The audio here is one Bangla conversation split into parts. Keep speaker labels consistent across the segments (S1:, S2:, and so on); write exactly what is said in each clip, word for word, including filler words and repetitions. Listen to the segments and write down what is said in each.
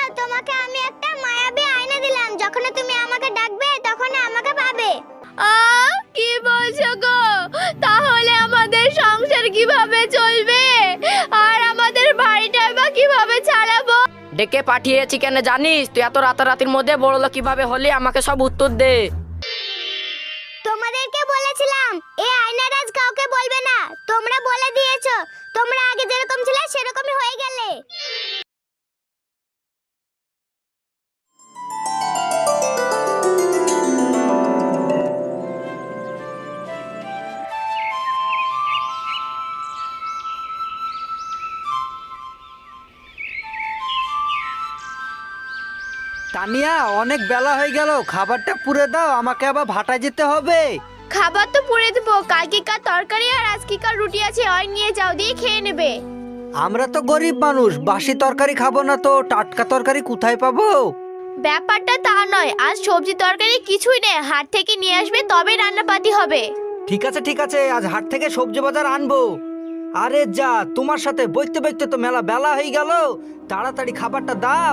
S1: তোমাকে আমি একটা মায়াবী আয়না দিলাম, যখন তুমি আমাকে ডাকবে তখন আমাকে পাবে।
S2: আ কি বলছো গো? তাহলে আমাদের সংসার কিভাবে চলবে, আর আমাদের বাড়িটা বা কিভাবে চালাবো?
S3: ডেকে পাঠিয়েছি কেন জানিস? তুই এত রাতারাতির মধ্যে বড়লোক কিভাবে হলি, আমাকে সব উত্তর দে।
S1: তোমাদেরকে বলেছিলাম এই আয়নার রাজ কাউকে বলবে না, তোমরা বলে দিয়েছো। তোমরা আগে যেরকম ছিলে সেরকমই হয়ে গেলে।
S4: তানিয়া, অনেক বেলা হয়ে গেল, খাবারটা পুরে দাও, আমাকে আবার ভাটায় যেতে হবে।
S2: খাবার তো পুড়ে দেবো, কালকেকার তরকারি আর আজকেকার রুটি আছে, ওই নিয়ে যাও, দিয়ে খেয়ে নেবে।
S4: আমরা তো গরিব মানুষ, বাসি তরকারি খাবো না তো টাটকা তরকারি কোথায় পাবো?
S2: ব্যাপারটা তা নয়, আজ সবজি তরকারি কিছুই নেই, হাট থেকে নিয়ে আসবে তবে রান্নাপাতি হবে।
S4: ঠিক আছে ঠিক আছে, আজ হাট থেকে সবজি বাজার আনবো। আরে যা, তোমার সাথে বইতে বইতে তো মেলা বেলা হয়ে গেল, তাড়াতাড়ি খাবারটা দাও।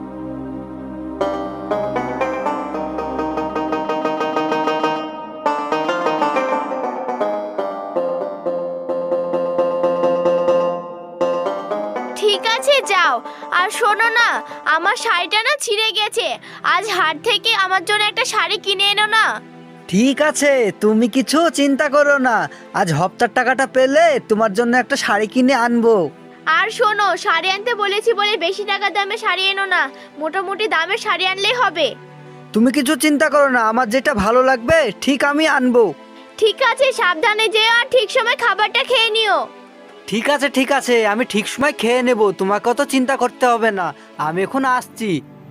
S2: ঠিক আছে যাও। আর শোনো না, আমার শাড়িটা না ছিঁড়ে গেছে, আজ হাট থেকে আমার জন্য একটা শাড়ি কিনে এনো না।
S4: ঠিক আছে, তুমি কিছু চিন্তা করো না, আজ হপ্তার টাকাটা পেলে তোমার জন্য একটা শাড়ি কিনে আনবো।
S2: আর শোনো, শাড়ি আনতে বলেছি বলে বেশি টাকা দামে শাড়ি এনো না, মোটামুটি দামের শাড়ি আনলেই হবে।
S4: তুমি কিছু চিন্তা করো না, আমার যেটা ভালো লাগবে ঠিক আমি আনবো।
S2: ঠিক আছে, সাবধানে যেও আর ঠিক সময় খাবারটা খেয়ে নিও।
S4: ঠিক আছে ঠিক আছে, আমি ঠিক সময় খেয়ে নেব, তোমাকে অত চিন্তা করতে হবে না, আমি এখন আসছি।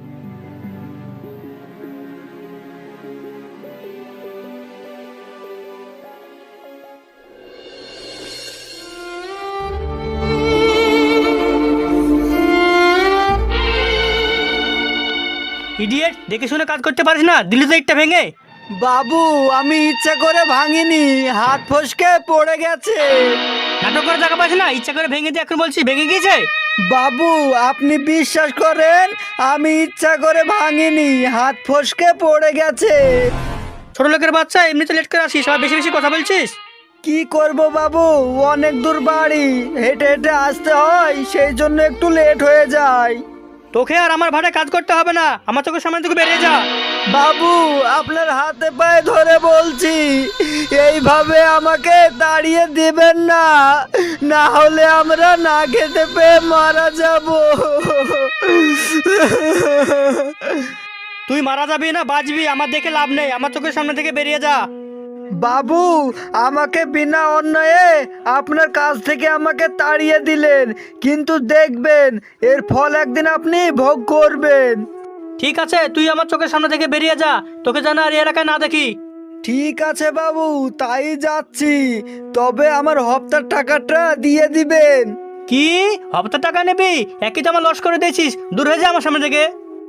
S5: ইডিয়েট, দেখে শুনে কাজ করতে পারিস না, দিলি তো একটা ভেঙে।
S4: বাবু, আমি ইচ্ছা করে ভাঙিনি, হাত ফসকে পড়ে গেছে।
S5: নাটক করে টাকা পাইস না, ইচ্ছা করে ভেঙে দিয়ে এখন বলছি ভেঙে গিয়েছে।
S4: বাবু, আপনি বিশ্বাস করেন, আমি ইচ্ছা করে ভাঙিনি, হাত ফসকে পড়ে গেছে।
S5: ছোট লোকের বাচ্চা, এমনিতে লেট করে আসিস, সবাই বেশি বেশি কথা বলছিস।
S4: কি করব বাবু, অনেক দূর বাড়ি, হেঁটে হেঁটে আসতে হয়, সেই জন্য একটু লেট হয়ে যায়।
S5: তোকে আর আমার ভাড়ায় কাজ করতে হবে না, আমার চোখের সামনে থেকে বেরিয়ে যা।
S4: বাবু, আপনার হাতে পায়ে ধরে বলছি, এইভাবে আমাকে তাড়িয়ে দিবেন না, না হলে আমরা না খেতে পেয়ে মারা যাব।
S5: তুই মারা যাবি না বাঁচবি আমার দেখে লাভ নেই, আমার চোখের সামনে থেকে বেরিয়ে যা।
S4: বাবু, আমাকে বিনা অন্যায়ে আপনার কাছ থেকে আমাকে তাড়িয়ে দিলেন, কিন্তু দেখবেন এর ফল একদিন আপনি ভোগ করবেন।
S5: ঠিক আছে, তুই আমার চোখের সামনে থেকে বেরিয়ে যা, তোকে যেন আর এই এলাকায় না দেখি।
S4: ঠিক আছে বাবু, তাই যাচ্ছি, তবে আমার হপ্তার টাকাটা দিয়ে দিবেন।
S5: কি হপ্তাহ টাকা নেবি? একই তো আমার লস করে দিয়েছিস, দূর হয়ে যা আমার সামনে থেকে।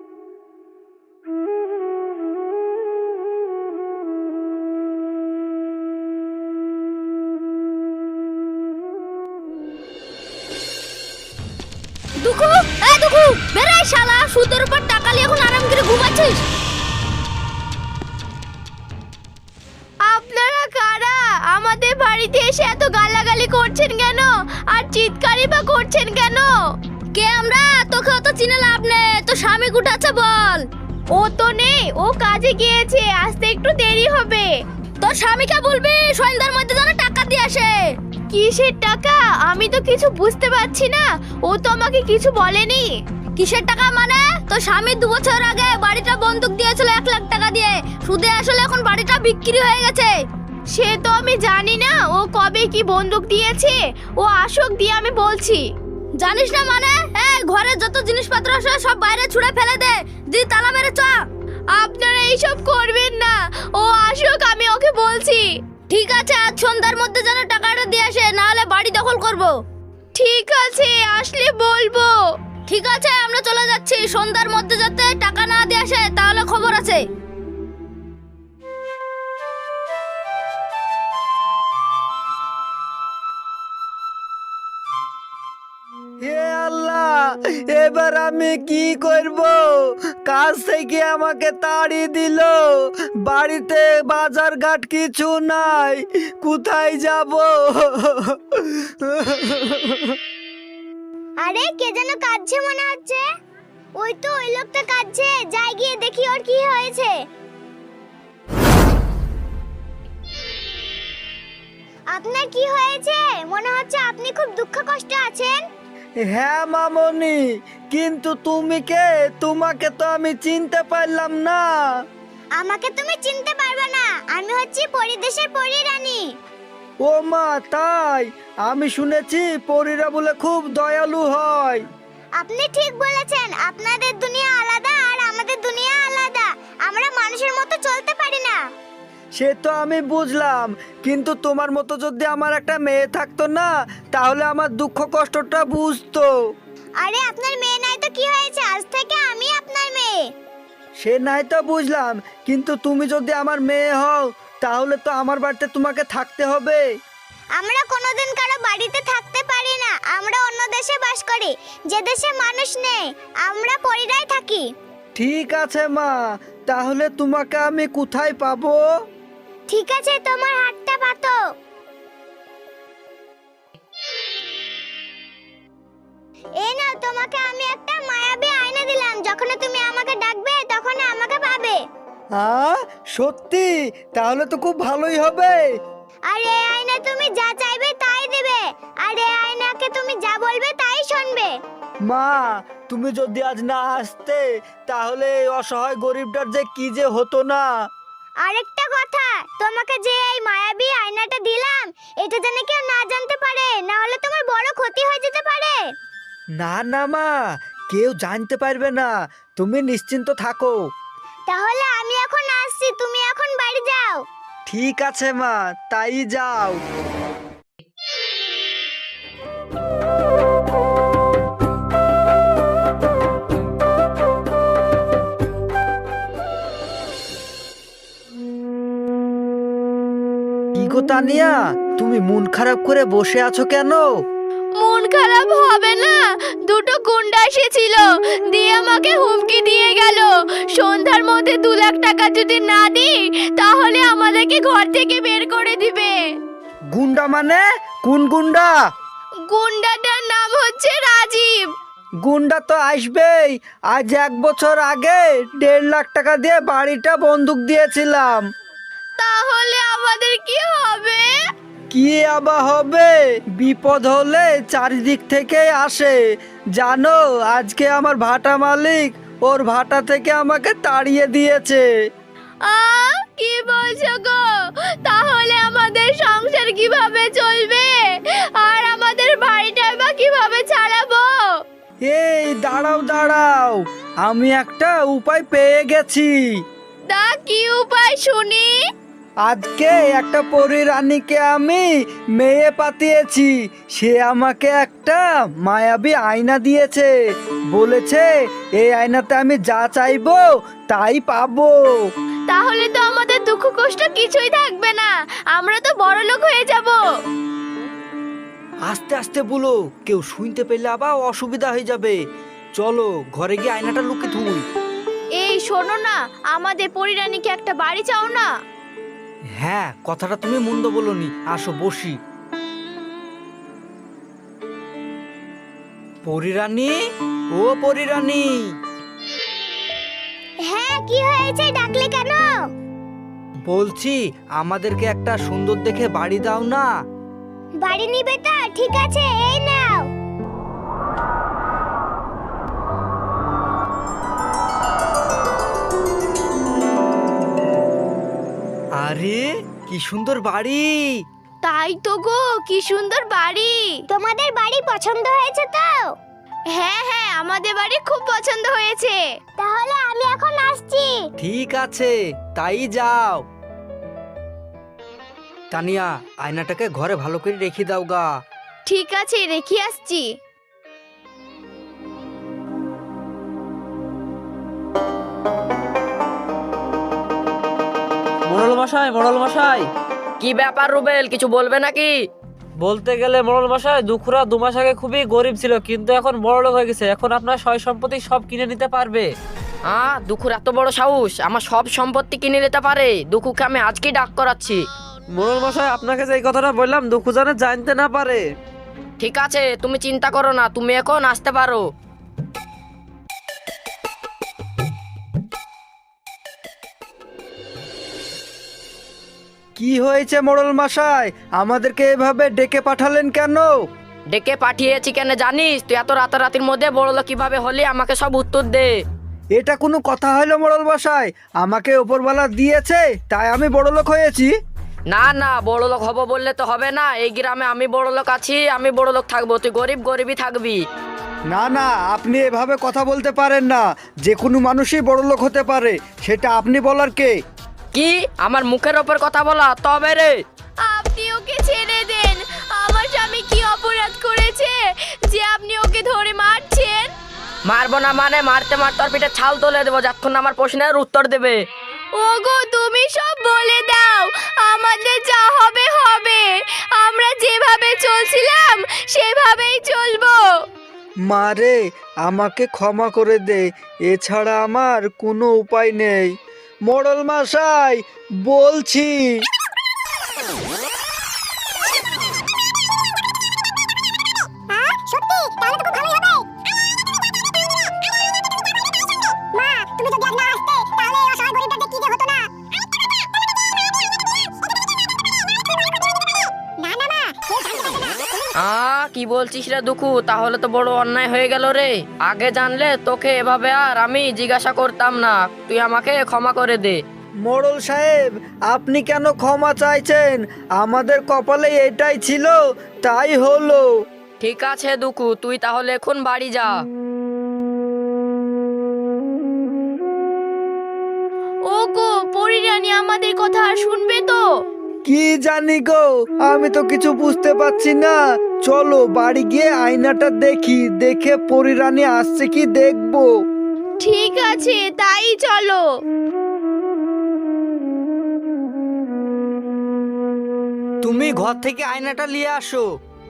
S2: দুঃখু, এই দুঃখু, বেরাই শালা, সুদের উপর টাকা নিয়ে এখন আরাম করে ঘুমাচ্ছিস। আপনারা কারা? আমাদের বাড়িতে এসে এত গালাগালি করছেন কেন, আর চিৎকারই বা করছেন কেন? কে আমরা? তোকে অত চিনে লাভ নেই, তো স্বামী কুঠাচ্ছে বল। ও তো নেই, ও কাজে গিয়েছে, আসতে একটু দেরি হবে। তোর স্বামীকে বলবি সন্ধ্যার মধ্যে যেন টাকা দিয়ে আসে। কিসের টাকা? আমি তো কিছু বুঝতে পারছি না, ও তো আমাকে কিছু বলেনি। কিসের টাকা মানে? তোর স্বামী দু বছর আগে বাড়িটা বন্ধক দিয়েছিল এক লাখ টাকা দিয়ে, সুদে আসলে এখন বাড়িটা বিক্রি হয়ে গেছে। সে তো আমি জানি না ও কবে কি বন্ধক দিয়েছে, ও আসুক দিয়ে আমি বলছি। জানিস না মানে? এই ঘরের যত জিনিসপত্র আছে সব বাইরে ছুঁড়ে ফেলে দে, দি তালা মেরে চ। আপনারা এইসব করবেন না, ও আসুক আমি ওকে বলছি। ঠিক আছে, আজ সন্ধ্যার মধ্যে যেন টাকাটা দিয়ে আসে, না হলে বাড়ি দখল করব। ঠিক আছে, আসলে বলবো। ঠিক আছে, আমরা চলে যাচ্ছি, সন্ধ্যার মধ্যে যাতে টাকা না দিয়ে আসে তাহলে খবর আছে।
S4: হে আল্লাহ, এবার আমি কি করব? কাজ থেকে আমাকে তাড়িয়ে দিল, বাড়িতে বাজার ঘাট কিছু নাই, কোথায় যাব?
S1: আরে কে যেন কাঁদছে মনে হচ্ছে। ওই তো ওই লোকটা কাঁদছে, যাই গিয়ে দেখি ওর কি হয়েছে। আপনার কি হয়েছে? মনে হচ্ছে আপনি খুব দুঃখ কষ্ট আছেন।
S4: হ্যাঁ মামনি, কিন্তু তুমি কে? তোমাকে তো আমি চিনতে পারলাম না।
S1: আমাকে তুমি চিনতে পারবে না, আমি হচ্ছি পরিদেশের পরী রানী।
S4: ও মা, তাই? আমি শুনেছি পরীরা বলে খুব দয়ালু হয়।
S1: আপনি ঠিক বলেছেন, আপনাদের দুনিয়া আলাদা আর আমাদের দুনিয়া আলাদা। আমরা মানুষের মতো চলতে পারি না।
S4: সে তো আমি বুঝলাম, কিন্তু তোমার মতো যদি আমার একটা মেয়ে থাকতো না, তাহলে আমার দুঃখ কষ্টটা বুঝতো।
S1: আরে আপনার মেয়ে নাই তো কি হয়েছে, আজ থেকে আমি আপনার মেয়ে।
S4: সে নাই তো বুঝলাম, কিন্তু তুমি যদি আমার মেয়ে হও, তাহলে তো আমার বাড়িতে তোমাকে থাকতে হবে।
S1: আমরা কোনোদিন কারো বাড়িতে থাকতে পারি না, আমরা অন্য দেশে বাস করি, যে দেশে মানুষ নেই। আমরা পরিরাই থাকি।
S4: ঠিক আছে মা, তাহলে তোমাকে আমি কোথায় পাবো?
S1: ঠিক আছে, তোমার হাতটা পাতো। এই নাও, তোমাকে আমি একটা মায়াবী আয়না দিলাম, যখন তুমি আমাকে ডাকবে তখন আমাকে পাবে।
S4: হ্যাঁ সত্যি? তাহলে তো খুব ভালোই হবে।
S1: আর এই আয়না তুমি যা চাইবে তাই দেবে, আর এই আয়নাকে তুমি যা বলবে তাই শুনবে।
S4: মা, তুমি যদি আজ না আসতে, তাহলে এই অসহায় গরিবটার যে কি যে হতো না।
S1: আরেকটা কথা, তোমাকে যে এই মায়াবী আয়নাটা দিলাম, এটা যেন কেউ না জানতে পারে, না হলে তোমার বড় ক্ষতি হয়ে যেতে পারে।
S4: না না মা, কেউ জানতে পারবে না, তুমি নিশ্চিন্ত থাকো।
S1: তাহলে আমি এখন আসছি, তুমি এখন বাড়ি যাও।
S4: ঠিক আছে মা, তাই যাও। কি গো তানিয়া, তুমি মন খারাপ করে বসে আছো কেন?
S2: মন খারাপ হবে না, দুটো গুন্ডা এসেছিল, দিয়ে আমাকে হুমকি দিয়ে গেল, সন্ধ্যার মধ্যে দু লাখ টাকা যদি না দিই তাহলে আমাদেরকে ঘর থেকে বের করে দিবে।
S4: গুন্ডা মানে? কোন গুন্ডা?
S2: গুন্ডাটার নাম হচ্ছে রাজীব।
S4: গুন্ডা তো আসবেই। আজ এক বছর আগে দেড় লাখ টাকা দিয়ে বাড়িটা বন্দুক দিয়েছিলাম।
S2: তাহলে আমাদের কি হবে?
S4: কি আবার হবে? বিপদ হলে চারিদিক থেকে আসে। জানো, আজকে আমার ভাটা মালিক ওর ভাটা থেকে আমাকে তাড়িয়ে দিয়েছে।
S2: আ কি বলছো গো? তাহলে আমাদের সংসার কিভাবে চলবে, আর আমাদের বাড়িটা বা কিভাবে চালাবো?
S4: এই দাঁড়াও দাঁড়াও, আমি একটা উপায় পেয়ে গেছি।
S2: তা কি উপায় শুনি?
S4: আজকে একটা পরী রানীকে আমি মেয়ে পাঠিয়েছি, সে আমাকে একটা মায়াবী আয়না দিয়েছে, বলেছে এই আয়নাতে আমি যা চাইবো তাই পাবো।
S2: তাহলে তো আমাদের দুঃখ কষ্ট কিছুই থাকবে না, আমরা তো বড় লোক হয়ে যাব।
S4: আস্তে আস্তে বলো, কেউ শুনতে পেলে আবার অসুবিধা হয়ে যাবে। চলো ঘরে গিয়ে আয়নাটা লুকিয়ে থুই।
S2: এই শোনো না, আমাদের পরিরানীকে একটা বাড়ি চাও না?
S4: হ্যাঁ, কথাটা তুমি মন্দ বলনি, আসো বসি। পরিরানী, ও পরিরানী।
S1: হ্যাঁ, কি হয়েছে, ডাকলে কেন?
S4: বলছি আমাদেরকে একটা সুন্দর দেখে বাড়ি দাও না।
S1: বাড়ি নিবে তো? ঠিক আছে, এই নাও।
S4: আরে কি সুন্দর বাড়ি!
S2: তাই তো গো, কি সুন্দর বাড়ি।
S1: তোমাদের বাড়ি পছন্দ হয়েছে তো?
S2: হ্যাঁ হ্যাঁ, আমাদের বাড়ি খুব পছন্দ হয়েছে।
S1: তাহলে আমি এখন আসছি।
S4: ঠিক আছে, তাই যাও। তানিয়া, আয়নাটাকে ঘরে ভালো করে রেখে দাও গা।
S2: ঠিক আছে, রেখে আসছি।
S6: মোড়ল মশাই, মোড়ল মশাই,
S3: কি ব্যাপার রুবেল, কিছু বলবে নাকি?
S6: বলতে গেলে মোড়ল মশাই দুখুরা দু মাস আগে খুবই গরিব ছিল, কিন্তু এখন বড়লোক হয়ে গেছে। এখন আপনার সয় সম্পত্তি সব কিনে নিতে পারবে।
S3: হ্যাঁ, দুখুর এত বড় সাহস আমার সব সম্পত্তি কিনে নিতে পারে? দুখুকে আমি আজকেই ডাক করাচ্ছি।
S6: মোড়ল মশাই আপনাকে যে এই কথাটা বললাম দুখু জানে জানতে না পারে।
S3: ঠিক আছে, তুমি চিন্তা করো না, তুমি এখন আসতে পারো।
S4: কি হয়েছে মোড়ল মশাই, আমাদেরকে এভাবে ডেকে পাঠালেন কেন?
S3: ডেকে পাঠিয়েছি কেন জানিস? তুই এত রাতারাতির মধ্যে বড়লোক কিভাবে হলি আমাকে সব উত্তর দে।
S4: এটা কোনো কথা হলো মোড়ল মশাই? আমাকে ওপরওয়ালা দিয়েছে তাই আমি বড়লোক হয়েছি।
S3: না না, বড়লোক হব বললে তো হবে না। এই গ্রামে আমি বড়লোক আছি, আমি বড়লোক থাকবো, তুই গরিব গরিবই থাকবি।
S4: না না, আপনি এভাবে কথা বলতে পারেন না। যে কোনো মানুষই বড়লোক হতে পারে, সেটা আপনি বলার কে?
S3: কি আমার মুখের ওপর কথা বলা? তবে রে
S2: আপনি ওকে ছেড়ে দেন। আমার স্বামী কি অপরাধ করেছে যে আপনি ওকে ধরে মারছেন?
S3: মারবো না মানে মারতে মারতে ওর পিঠে ছাল তুলে দেবো যতক্ষণ না আমার প্রশ্নের উত্তর দেবে।
S2: ওগো তুমি সব বলে দাও, আমাদের যা হবে হবে। আমরা যেভাবে চলছিলাম সেভাবেই চলবো।
S4: মারে, আমাকে ক্ষমা করে দে, এছাড়া আমার কোনো উপায় নেই। মোড়ল মশাই বলছি।
S1: সত্যি? তাহলে তো খুব ভালোই হবে। মা, তুমি যদি আজ না আসতে তাহলে এই অসহায় গরিবটাকে কি যে হতো না। না না মা, কেউ জানতে পারবে না।
S3: আ কি বলছিস রে দুখু? তাহলে তো বড় অন্যায় হয়ে গেল রে। আগে জানলে তোকে এভাবে আর আমি জিজ্ঞাসা করতাম না। তুই আমাকে ক্ষমা করে দে।
S4: মোড়ল সাহেব, আপনি কেন ক্ষমা চাইছেন? আমাদের কপালে এটাই ছিল, তাই হলো।
S3: ঠিক আছে দুখু, তুই তাহলে এখন বাড়ি যা।
S2: ওগো পরিরানী আমাদের কথা আর শুনবে তো?
S4: কি জানি গো, আমি তো কিছু বুঝতে পারছি না। চলো বাড়ি গিয়ে আয়নাটা দেখি, দেখে পরিরানী আসছে কি দেখবো।
S2: ঠিক আছে, তাই চলো।
S4: তুমি ঘর থেকে আয়নাটা নিয়ে আসো।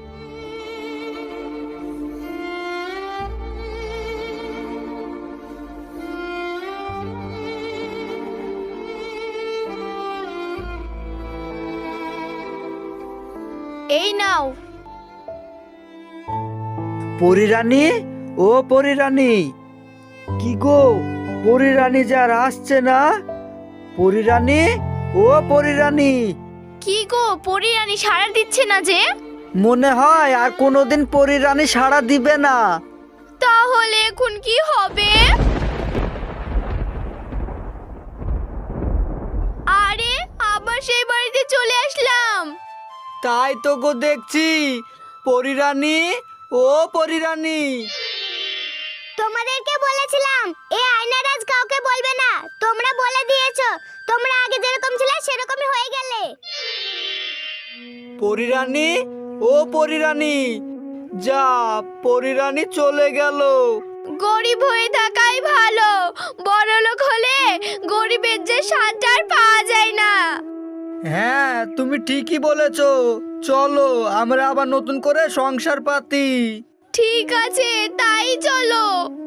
S2: এই নাও।
S4: পরিরানী, ও পরিরানী, কি গো পরিরানী যার আসছে না? পরিরানী, ও পরিরানী,
S2: কি গো পরিরানী সাড়া দিচ্ছে না যে?
S4: মনে হয় আর কোনোদিন পরিরানী সাড়া দিবে না।
S2: তাহলে এখন কি হবে? আরে আবার সেই বাড়িতে চলে আসলাম।
S4: তাই তো গো দেখছি। পরিরানী, ও পরিরানী,
S1: তোমাদেরকে বলেছিলাম এই আয়নার আজ কাউকে বলবে না। তোমরা বলে দিয়েছো, তোমরা আগে যেরকম ছিলে সেরকমই হয়ে গেলে।
S4: পরিরানী, ও পরিরানী, যা পরিরানী চলে গেল।
S2: গরিব হয়ে থাকাই ভালো, বড়লোক হলে গরিবের যে সাঁতার পাওয়া যায় না।
S4: হ্যাঁ, তুমি ঠিকই বলেছো। চলো আমরা আবার নতুন করে সংসার পাতি।
S2: ঠিক আছে, তাই চলো।